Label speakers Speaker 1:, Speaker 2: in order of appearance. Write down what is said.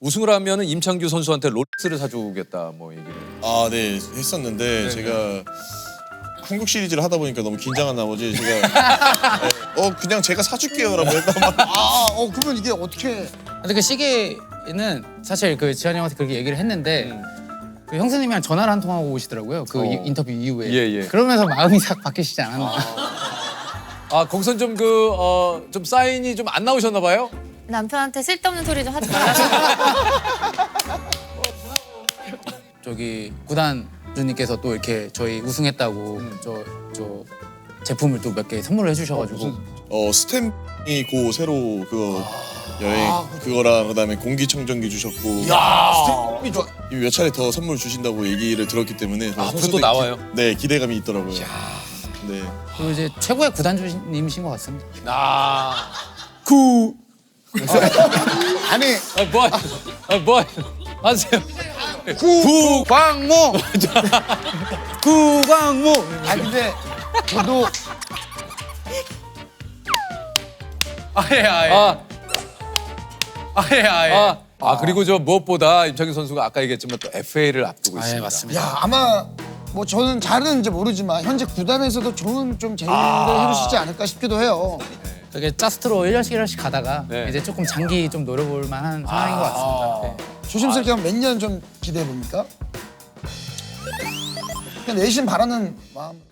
Speaker 1: 우승을 하면은 임창규 선수한테 롤렉스를 사주겠다 뭐 얘기를.
Speaker 2: 아, 네, 했었는데 제가 한국 시리즈를 하다 보니까 너무 긴장한 나머지 제가 그냥 제가 사줄게요라고 했단 말이에요.
Speaker 3: 그러면 이게 어떻게?
Speaker 4: 근데 그 시계는 사실 그 지한이 형한테 그렇게 얘기를 했는데 그 형수님이랑 전화를 한 통하고 오시더라고요. 그 인터뷰 이후에.
Speaker 1: 예.
Speaker 4: 그러면서 마음이 싹 바뀌시지 않았나.
Speaker 1: 아 거기선 좀 좀 사인이 좀 안 나오셨나 봐요?
Speaker 5: 남편한테 쓸데없는 소리 좀 하지 말라고.
Speaker 4: 저기 구단 주님께서 또 이렇게 저희 우승했다고 저 제품을 또 몇 개 선물을 해주셔가지고
Speaker 2: 스탬이 고 새로 그거 여행 그거랑 그다음에 공기청정기 주셨고 이미 몇 차례 더 선물 주신다고 얘기를 들었기 때문에
Speaker 1: 앞으로 또
Speaker 2: 선수들
Speaker 1: 나와요?
Speaker 2: 네, 기대감이 있더라고요. 네.
Speaker 4: 그리고 이제 최고의 구단 주님이신 것 같습니다.
Speaker 3: 아니
Speaker 1: 뭐 하세요?
Speaker 4: 구광모. 구광모.
Speaker 3: 근데 저도
Speaker 4: 아예.
Speaker 1: 그리고 저 무엇보다 임창규 선수가 아까 얘기했지만 또 FA를 앞두고 있습니다.
Speaker 4: 맞습니다.
Speaker 3: 야 아마 뭐 저는 잘은 이제 모르지만 현재 구단에서도 좋은 좀 제의를 해주시지 않을까 싶기도 해요.
Speaker 4: 되게 짜스트로 1년씩 가다가
Speaker 1: 네.
Speaker 4: 이제 조금 장기 좀 노려볼 만한 상황인 것 같습니다. 네.
Speaker 3: 조심스럽게 하면 몇 년 좀 기대해 봅니까? 그냥 내심 바라는 마음.